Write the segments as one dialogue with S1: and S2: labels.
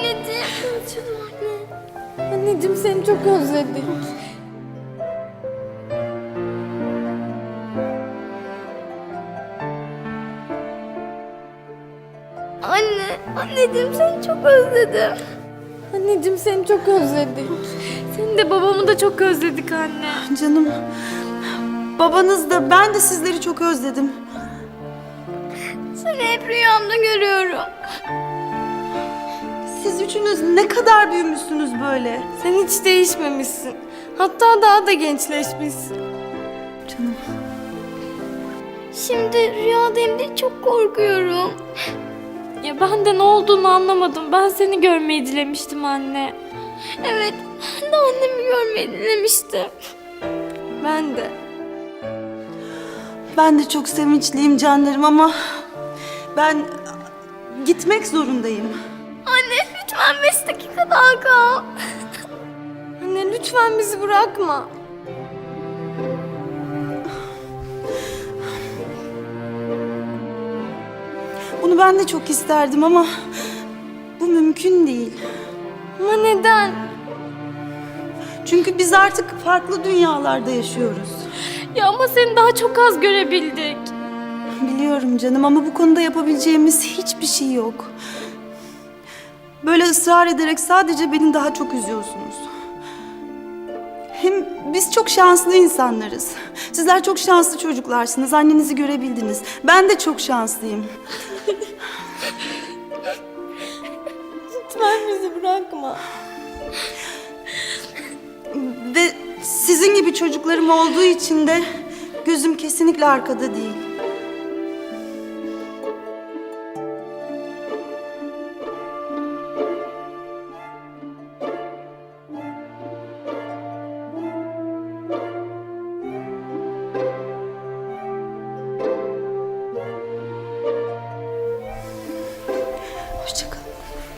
S1: anneciğim. Canım anne.
S2: Anneciğim seni çok özledik.
S1: Anneciğim seni çok özledim.
S2: Anneciğim seni çok özledik.
S3: Seni de babamı da çok özledik anne.
S4: Canım, babanız da ben de sizleri çok özledim.
S1: Seni hep rüyamda görüyorum.
S4: Siz üçünüz ne kadar büyümüşsünüz böyle.
S2: Sen hiç değişmemişsin. Hatta daha da gençleşmişsin.
S4: Canım.
S1: Şimdi rüyadayım diye çok korkuyorum.
S3: Ya ben de ne olduğunu anlamadım. Ben seni görmeyi dilemiştim anne.
S1: Evet, ben de annemi görmeyi dilemiştim.
S2: Ben de.
S4: Ben de çok sevinçliyim canlarım ama ben gitmek zorundayım.
S1: Anne lütfen 5 dakika daha kal.
S2: Anne lütfen bizi bırakma.
S4: Bunu ben de çok isterdim ama bu mümkün değil.
S2: Ama neden?
S4: Çünkü biz artık farklı dünyalarda yaşıyoruz.
S3: Ya ama seni daha çok az görebildik.
S4: Biliyorum canım ama bu konuda yapabileceğimiz hiçbir şey yok. Böyle ısrar ederek sadece beni daha çok üzüyorsunuz. Hem biz çok şanslı insanlarız. Sizler çok şanslı çocuklarsınız. Annenizi görebildiniz. Ben de çok şanslıyım.
S2: Lütfen bizi bırakma.
S4: Ve sizin gibi çocuklarım olduğu için de gözüm kesinlikle arkada değil. Hoşça kalın.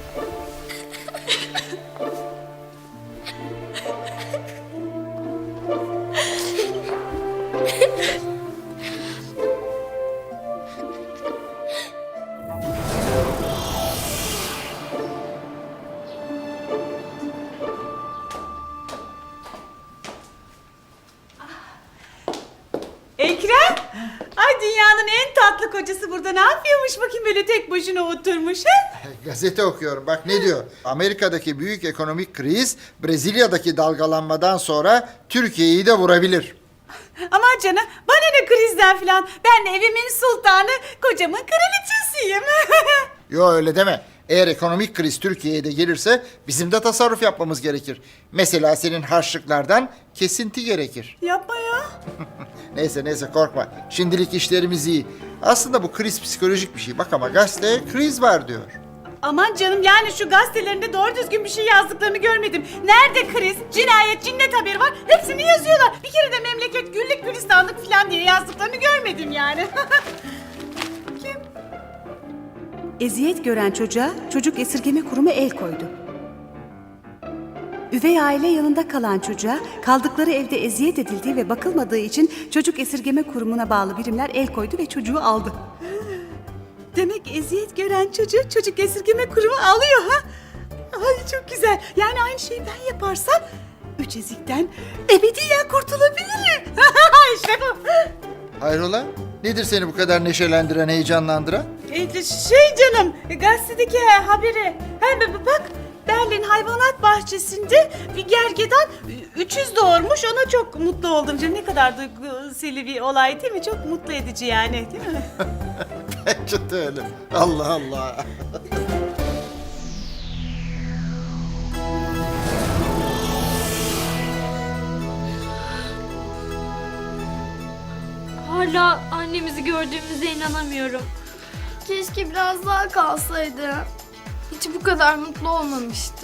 S5: Ekrem! Ay dünyanın en tatlı kocası burada ne yapıyormuş bakayım böyle tek başına oturmuş ha?
S6: Gazete okuyorum. Bak ne diyor? Amerika'daki büyük ekonomik kriz Brezilya'daki dalgalanmadan sonra Türkiye'yi de vurabilir.
S5: Aman canım bana ne krizden filan. Ben evimin sultanı, kocamın kraliçesiyim.
S6: Yo öyle deme. Eğer ekonomik kriz Türkiye'ye de gelirse bizim de tasarruf yapmamız gerekir. Mesela senin harçlıklardan kesinti gerekir.
S5: Yapma ya.
S6: Neyse korkma. Şimdilik işlerimiz iyi. Aslında bu kriz psikolojik bir şey. Bak ama gazete kriz var diyor.
S5: Aman canım yani şu gazetelerinde doğru düzgün bir şey yazdıklarını görmedim. Nerede kriz, cinayet, cinnet haberi var hepsini yazıyorlar. Bir kere de memleket güllük gülistanlık filan diye yazdıklarını görmedim yani.
S7: Eziyet gören çocuğa çocuk esirgeme kurumu el koydu. Üvey aile yanında kalan çocuğa kaldıkları evde eziyet edildiği ve bakılmadığı için çocuk esirgeme kurumuna bağlı birimler el koydu ve çocuğu aldı.
S5: Demek eziyet gören çocuğu çocuk esirgeme kurumu alıyor ha? Ay çok güzel. Yani aynı şeyi ben yaparsam 3 ezikten ebediyen kurtulabilirim. İşte bu.
S6: Hayrola? Nedir seni bu kadar neşelendiren, heyecanlandıran?
S5: Şey canım, gazetedeki haberi. Hem bak Berlin Hayvanat Bahçesi'nde bir gergedan 300 doğurmuş. Ona çok mutlu oldum canım. Ne kadar duygusal bir olay değil mi? Çok mutlu edici yani değil mi?
S6: Bence de öyle. Allah Allah.
S3: Hala annemizi gördüğümüze inanamıyorum.
S1: Keşke biraz daha kalsaydı.
S2: Hiç bu kadar mutlu olmamıştım.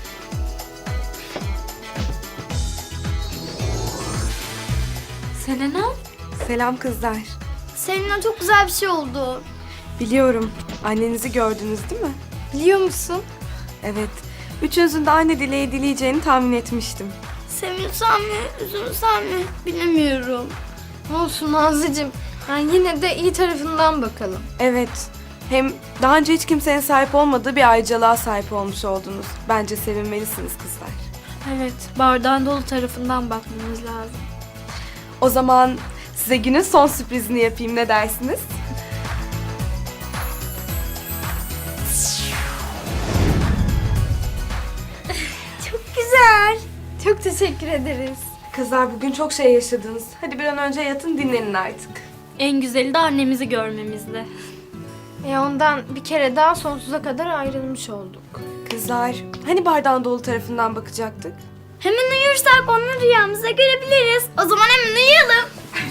S3: Selena?
S2: Selam kızlar.
S1: Seninle çok güzel bir şey oldu.
S2: Biliyorum. Annenizi gördünüz değil mi? Biliyor musun? Evet. Üçünüzün de aynı dileği dileyeceğini tahmin etmiştim.
S1: Sevinsem mi, üzülsem mi bilemiyorum.
S2: Olsun Nazlıcığım. Yani yine de iyi tarafından bakalım. Evet. Hem daha önce hiç kimsenin sahip olmadığı bir ayrıcalığa sahip olmuş oldunuz. Bence sevinmelisiniz kızlar.
S3: Evet, bardağın dolu tarafından bakmamız lazım.
S2: O zaman size günün son sürprizini yapayım, ne dersiniz?
S1: Güzel. Çok teşekkür ederiz.
S2: Kızlar bugün çok şey yaşadınız. Hadi bir an önce yatın, dinlenin artık.
S3: En güzeli de annemizi görmemizdi.
S1: Ondan bir kere daha sonsuza kadar ayrılmış olduk.
S2: Kızlar, hani bardağın dolu tarafından bakacaktık?
S1: Hemen uyursak onu rüyamızda görebiliriz. O zaman hemen uyuyalım.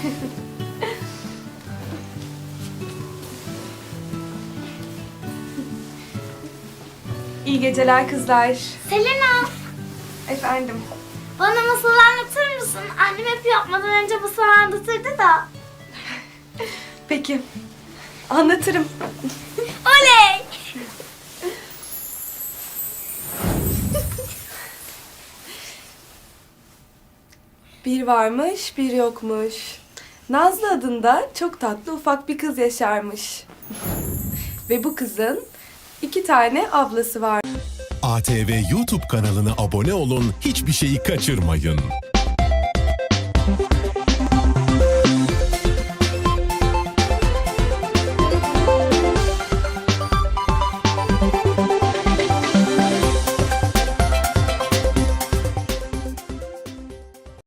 S2: İyi geceler kızlar.
S1: Selena,
S2: Efendim.
S1: bana masal anlatır mısın? Annem hep yapmadan önce masal anlatırdı da.
S2: Peki. Anlatırım.
S1: Oley!
S2: Bir varmış, bir yokmuş. Nazlı adında çok tatlı ufak bir kız yaşarmış. Ve bu kızın 2 tane ablası var.
S8: ATV YouTube kanalına abone olun, hiçbir şeyi kaçırmayın.